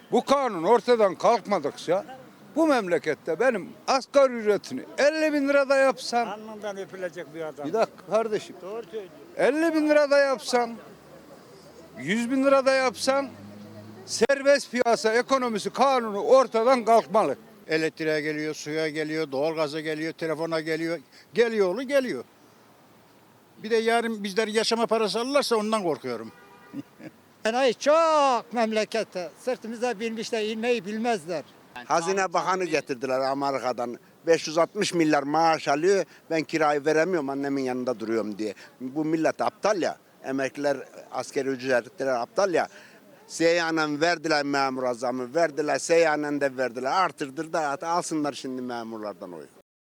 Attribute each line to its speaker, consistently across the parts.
Speaker 1: Bu kanun ortadan kalkmadıkça bu memlekette benim asgari ücretini 50 bin lirada yapsam,
Speaker 2: Alnından öpülecek bir adam.
Speaker 1: bir dakika kardeşim,
Speaker 2: Doğru söylüyor.
Speaker 1: 50 bin lirada yapsam, 100 bin lirada yapsam serbest piyasa ekonomisi kanunu ortadan kalkmalı. Elektriğe geliyor, suya geliyor, doğalgaza geliyor, telefona geliyor. Geliyor oğlu geliyor. Bir de yarın bizler yaşama parası alırlarsa ondan korkuyorum.
Speaker 3: Enayi çok memlekette. Sırtımıza binmişler, inmeyi bilmezler.
Speaker 4: Hazine Bakanı getirdiler Amerika'dan. 560 milyar maaş alıyor. Ben kirayı veremiyorum, annemin yanında duruyorum diye. Bu millet aptal ya. Emekliler, askeri ücretliler aptal ya. Seyyanen verdiler memur zamı, verdiler, seyyanen de verdiler. Artırdır da alsınlar şimdi memurlardan oyu.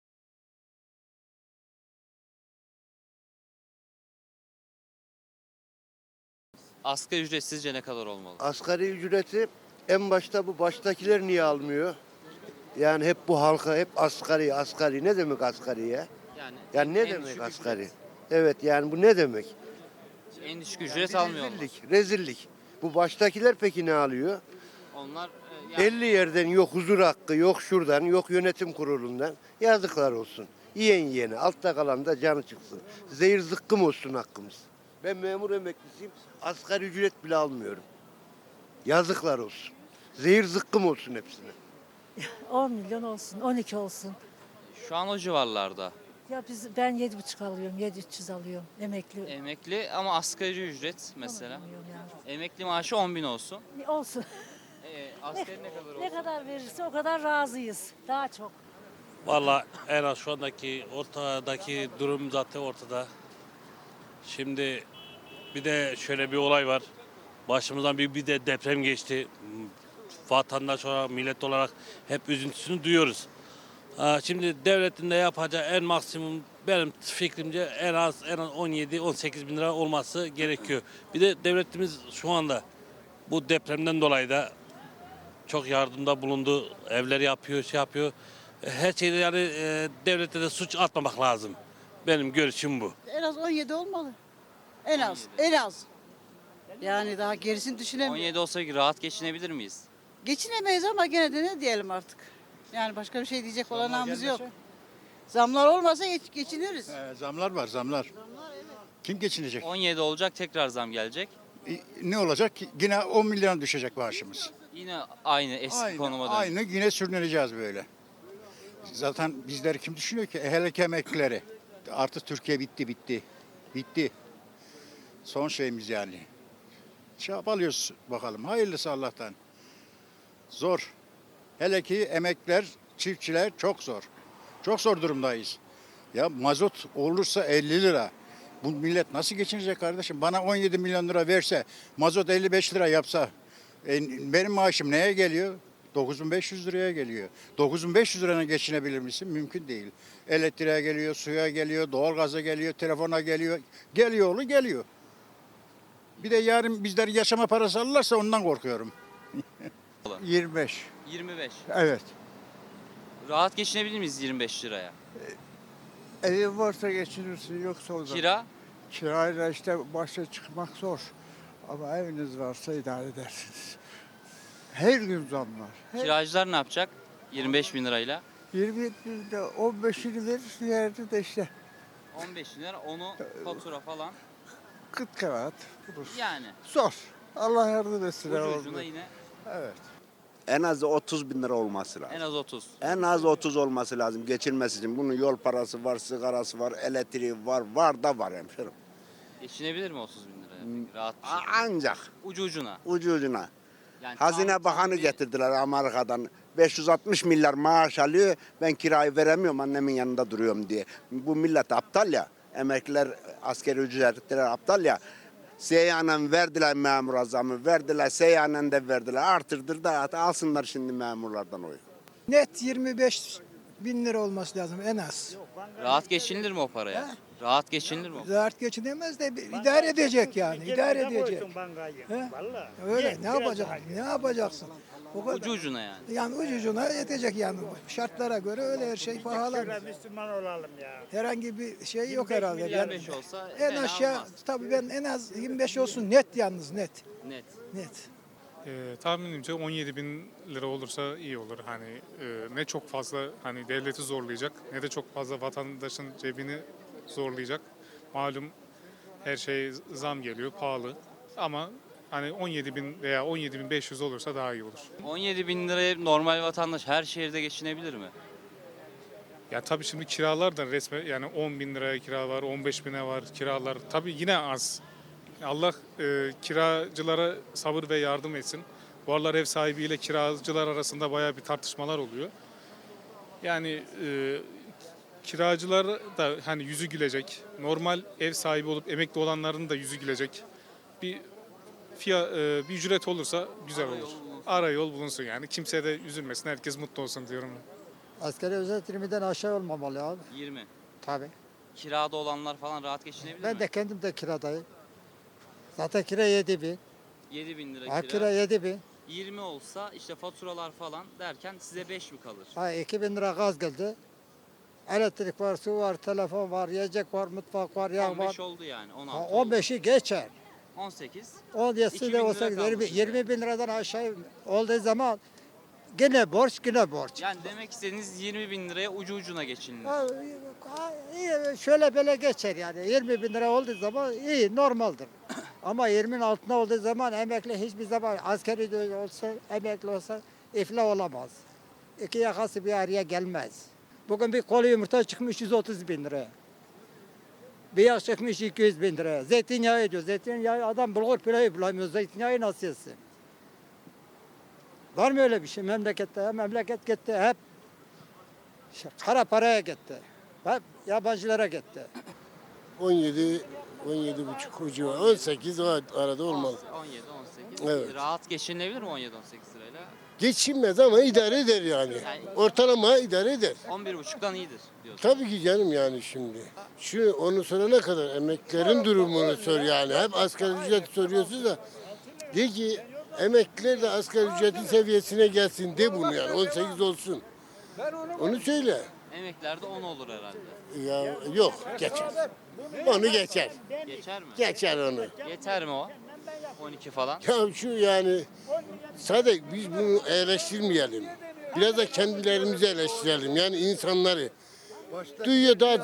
Speaker 5: Asgari ücret sizce ne kadar olmalı?
Speaker 6: Asgari ücreti en başta bu baştakiler niye almıyor? Yani hep bu halka hep asgari asgari. Ne demek asgari ya? Yani ne
Speaker 5: en
Speaker 6: demek
Speaker 5: düşük
Speaker 6: asgari? Evet yani bu ne demek?
Speaker 5: En düşük ücret almıyorlar.
Speaker 6: Rezillik. Bu baştakiler peki ne alıyor?
Speaker 5: Onlar
Speaker 6: 50 yerden yok huzur hakkı, yok şuradan, yok yönetim kurulundan. Yazıklar olsun. Yiyen yiyene, altta kalan da canı çıksın. Zehir zıkkım olsun hakkımız. Ben memur emeklisiyim, asgari ücret bile almıyorum. Yazıklar olsun. Zehir zıkkım olsun hepsine.
Speaker 7: 10 milyon olsun, 12 olsun.
Speaker 5: şu an o civarlarda.
Speaker 7: Ya ben 7,5 alıyorum, 7,300 alıyorum emekli.
Speaker 5: Emekli ama asgari ücret mesela.
Speaker 7: Alamıyorum yani.
Speaker 5: Emekli maaşı 10 bin olsun.
Speaker 7: Olsun.
Speaker 5: Asgari ne kadar
Speaker 7: Ne
Speaker 5: olsun?
Speaker 7: kadar verirse o kadar razıyız. Daha çok.
Speaker 8: Valla en az şu andaki ortadaki durum zaten ortada. Şimdi bir de şöyle bir olay var. Başımızdan bir de deprem geçti. Vatandaş olarak, millet olarak hep üzüntüsünü duyuyoruz. Şimdi devletin de yapacağı en maksimum benim fikrimce en az 17-18 bin lira olması gerekiyor. Bir de devletimiz şu anda bu depremden dolayı da çok yardımda bulundu. Evleri yapıyor, şey yapıyor. Her şeyde yani devlete de suç atmamak lazım. Benim görüşüm bu.
Speaker 9: En az 17 olmalı. En az, en az. Yani daha gerisini düşünemiyorum.
Speaker 5: 17 olsa rahat geçinebilir miyiz?
Speaker 9: Geçinemeyiz ama gene de ne diyelim artık. Yani başka bir şey diyecek olanağımız yok. Zamlar olmasa geçiniriz.
Speaker 10: Zamlar var, zamlar. Kim geçinecek?
Speaker 5: 17 olacak, tekrar zam gelecek.
Speaker 10: Ne olacak? Yine 10 milyon düşecek maaşımız.
Speaker 5: Yine aynı eski konuma dönecek.
Speaker 10: Aynı yine sürüneceğiz böyle. Zaten bizler kim düşünüyor ki? Hele ki emeklileri. Artık Türkiye bitti, bitti. Bitti. Son şeyimiz yani. Çabalıyoruz bakalım. Hayırlısı Allah'tan. Zor. Hele ki emekliler, çiftçiler çok zor. Çok zor durumdayız. Ya mazot olursa 50 lira. Bu millet nasıl geçinecek kardeşim? Bana 17 milyon lira verse, mazot 55 lira yapsa, benim maaşım neye geliyor? 9.500 liraya geliyor. 9.500 lirana geçinebilir misin? Mümkün değil. Elektriğe geliyor, suya geliyor, doğalgaza geliyor, telefona geliyor. Geliyor oğlu geliyor. Bir de yarın bizler yaşama parası alırlarsa ondan korkuyorum. 25.
Speaker 5: 25.
Speaker 1: Evet.
Speaker 5: Rahat geçinebilir miyiz 25 liraya?
Speaker 1: Evin varsa geçinirsin, yoksa o zaman.
Speaker 5: Kira?
Speaker 1: Kirayla işte başa çıkmak zor. Ama eviniz varsa idare edersiniz. Her gün zam var.
Speaker 5: Kiracılar ne yapacak 25 bin lirayla?
Speaker 1: 20'de 15'ini verirsin yerde de işte
Speaker 5: 15 bin lira, onu fatura falan.
Speaker 1: kıt kanaat bulursun.
Speaker 5: Yani
Speaker 1: Zor. Allah yardım etsin.
Speaker 5: ucu
Speaker 1: herhalde.
Speaker 5: ucuna yine
Speaker 1: Evet.
Speaker 4: En az 30 bin lira olması lazım.
Speaker 5: en az 30.
Speaker 4: En az 30 olması lazım geçinmesi için. Bunun yol parası var, sigarası var, elektriği var, var da var hemşerim.
Speaker 5: Geçinebilir mi 30 bin liraya? Peki, rahat bir şekilde.
Speaker 4: Ancak
Speaker 5: Ucu ucuna.
Speaker 4: ucu ucuna.
Speaker 5: Yani
Speaker 4: Hazine Bakanı
Speaker 5: bir-
Speaker 4: getirdiler Amerika'dan. 560 milyar maaş alıyor. Ben kirayı veremiyorum, annemin yanında duruyorum diye. Bu millet aptal ya. Emekliler, askeri ücretliler aptal ya. Seyyanen verdiler memur zamı, verdiler, seyyanen de verdiler. Artırdır da alsınlar şimdi memurlardan oyu.
Speaker 3: Net 25 bin lira olması lazım en az.
Speaker 5: Rahat geçinilir mi o paraya? Rahat geçinilir mi?
Speaker 3: Rahat geçinemez de idare edecek yani. İdare edecek. He?
Speaker 2: Vallahi.
Speaker 3: Öyle ne yapacaksın? Ne yapacaksın? O kadar.
Speaker 5: Ucu ucuna yani.
Speaker 3: Yani ucucuna yetecek yani. Şartlara göre öyle her şey pahalı.
Speaker 2: Şöyle Müslüman olalım ya.
Speaker 3: Herhangi bir şey yok
Speaker 2: 25
Speaker 3: herhalde.
Speaker 2: milyar
Speaker 3: Ben-
Speaker 5: 25 olsa
Speaker 3: en
Speaker 5: fena
Speaker 3: aşağı
Speaker 5: olmaz.
Speaker 3: tabii ben en az 25 olsun net yalnız net.
Speaker 5: Net.
Speaker 3: Net.
Speaker 11: Tahminimce 17 bin lira olursa iyi olur. Hani ne çok fazla hani devleti zorlayacak ne de çok fazla vatandaşın cebini zorlayacak. Malum her şey zam geliyor, pahalı. Ama hani 17 bin veya 17 bin 500 olursa daha iyi olur.
Speaker 5: 17 bin liraya normal vatandaş her şehirde geçinebilir mi?
Speaker 11: Ya tabii şimdi kiralar da resmen yani 10 bin liraya kira var, 15 bine var kiralar. Tabii yine az. Allah kiracılara sabır ve yardım etsin. Bu aralar ev sahibiyle kiracılar arasında bayağı bir tartışmalar oluyor. Yani kiracılar da hani yüzü gülecek. Normal ev sahibi olup emekli olanların da yüzü gülecek. Bir bir ücret olursa güzel olur. Ara yol bulunsun yani. Kimse de üzülmesin. Herkes mutlu olsun diyorum.
Speaker 3: Asgari ücret 20'den aşağı olmamalı abi.
Speaker 5: 20.
Speaker 3: Tabii.
Speaker 5: Kirada olanlar falan rahat geçinebilir
Speaker 3: Ben
Speaker 5: mi?
Speaker 3: de kendim de kiradayım. Zaten kira 7 bin.
Speaker 5: 7 bin lira
Speaker 3: Ha,
Speaker 5: kira.
Speaker 3: kira 7 bin.
Speaker 5: 20 olsa işte faturalar falan derken size 5 mi kalır?
Speaker 3: Ha, 2 bin lira gaz geldi. Elektrik var, su var, telefon var, yiyecek var, mutfak var, yağ var.
Speaker 5: 15 oldu yani. 16
Speaker 3: Ha,
Speaker 5: oldu.
Speaker 3: 15'i geçer.
Speaker 5: 18.
Speaker 3: 17'si
Speaker 5: 2000
Speaker 3: de
Speaker 5: lira
Speaker 3: olsa
Speaker 5: kalmış
Speaker 3: 20 bin liradan aşağı olduğu zaman gene borç, yine borç.
Speaker 5: Yani demek istediğiniz 20 bin liraya ucu ucuna geçinilir.
Speaker 3: İyi, şöyle böyle geçer yani. 20 bin lira olduğu zaman iyi, normaldir. Ama 20'nin altında olduğu zaman emekli hiçbir zaman askeri de olsa, emekli olsa iflah olamaz. İki yakası bir araya gelmez. Bugün bir kolu yumurta çıkmış 130 bin liraya. Bir yağ çıkmış 200 bin liraya. Zeytinyağı diyor. Zeytinyağı adam bulgur pilavı bulamıyor. Zeytinyağı nasıl yesin? Var mı öyle bir şey memlekette? Memleket gitti hep kara paraya gitti. Hep yabancılara gitti.
Speaker 6: 17 buçuk ucu var. 18 o arada olmaz.
Speaker 5: 17, 18.
Speaker 6: Evet.
Speaker 5: Rahat geçinilebilir mi 17-18 lirayla?
Speaker 6: Geçinmez ama idare eder yani. Ortalama idare eder.
Speaker 5: 11,5'tan iyidir diyorsun.
Speaker 6: Tabii ki canım yani şimdi. Onu sorana kadar emeklilerin durumunu sor yani. Hep asgari ücret soruyorsunuz da. De ki emekliler de asgari ücretin seviyesine gelsin de bunu yani 18 olsun. Onu söyle.
Speaker 5: Emeklilerde 10 olur herhalde.
Speaker 6: Ya yok geçer. Onu geçer.
Speaker 5: Geçer mi?
Speaker 6: Geçer onu.
Speaker 5: Yeter mi o? 12 falan.
Speaker 6: Ya şu yani sadece biz bunu eleştirmeyelim. Biraz da kendilerimizi eleştirelim. Yani insanları. Duyuyor daha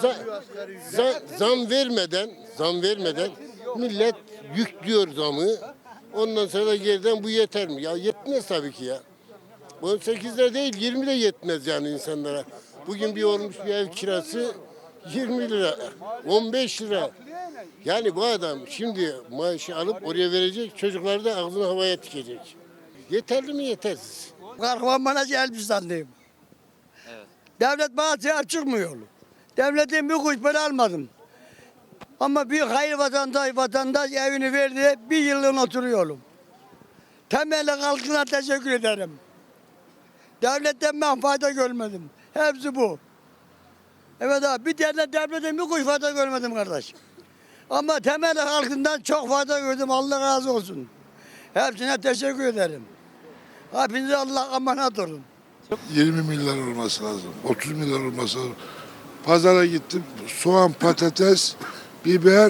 Speaker 6: zam vermeden millet yüklüyor zamı. Ondan sonra da geriden bu yeter mi? Ya yetmez tabii ki ya. 18 lira değil 20 de yetmez yani insanlara. Bugün bir olmuş bir ev kirası 20 lira, 15 lira. Yani bu adam şimdi maaşı alıp oraya verecek, çocuklar da ağzını havaya tikecek. Yeterli mi yetersiz?
Speaker 2: Kahramanmaraş Elbistan'dayım.
Speaker 5: Evet.
Speaker 2: Devlet bana sahip çıkmıyor. Devletin bir kuruş para almadım. Ama bir hayır vatandaş evini verdi, bir yılın oturuyorum. Temelli halkına teşekkür ederim. Devletten ben fayda görmedim. Hepsi bu. Evet abi bir tane devletten bir kuruş fayda görmedim kardeş. Ama temelli halkından çok fayda gördüm. Allah razı olsun. Hepsine teşekkür ederim. Hepinize Allah emanet olun.
Speaker 12: 20 milyar olması lazım. 30 milyar olması lazım. Pazara gittim. Soğan, patates, biber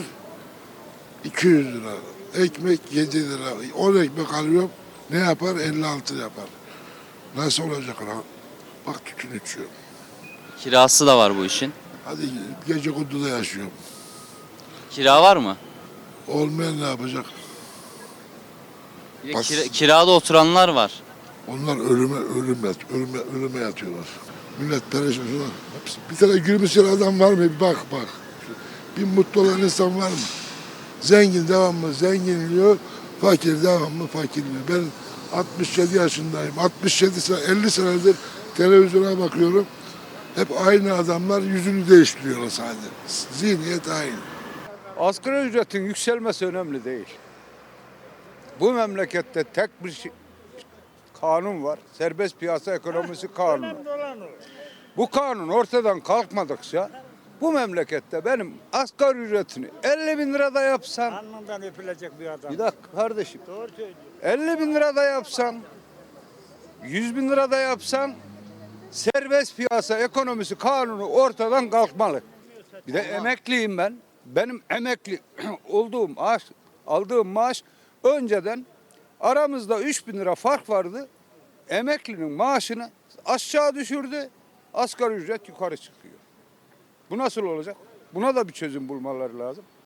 Speaker 12: 200 lira. Ekmek 7 lira. 10 ekmek alıyorum. Ne yapar? 56 yapar. Nasıl olacak lan? Bak tütün içiyorum.
Speaker 5: Kirası da var bu işin.
Speaker 12: Hadi gece konduda yaşıyorum.
Speaker 5: Kira var mı?
Speaker 12: Olmayan ne yapacak?
Speaker 5: Bir de
Speaker 12: Bas.
Speaker 5: kirada oturanlar var.
Speaker 12: Onlar ölüme yatıyorlar. Millet perişan. Bir tane gülümseyen adam var mı? Bir bak. Bir mutlu olan insan var mı? Zengin devamlı zenginliyor, fakir devamlı fakirliyor. Ben 67 yaşındayım. 67 sene, 50 senedir televizyona bakıyorum. Hep aynı adamlar yüzünü değiştiriyorlar sadece. Zihniyet aynı.
Speaker 1: Asgari ücretin yükselmesi önemli değil. Bu memlekette tek bir kanun var. Serbest piyasa ekonomisi kanunu. Bu kanun ortadan kalkmadıkça bu memlekette benim asgari ücretini 50 bin lirada yapsam,
Speaker 2: Alnından öpülecek bir adam.
Speaker 1: bir dakika kardeşim,
Speaker 2: Doğru söylüyor.
Speaker 1: 50 bin lirada yapsam, 100 bin lirada yapsam serbest piyasa ekonomisi kanunu ortadan kalkmalı. Bir de emekliyim ben. Benim emekli olduğum aldığım maaş önceden Aramızda 3.000 lira fark vardı. Emeklinin maaşını aşağı düşürdü. Asgari ücret yukarı çıkıyor. Bu nasıl olacak? Buna da bir çözüm bulmaları lazım.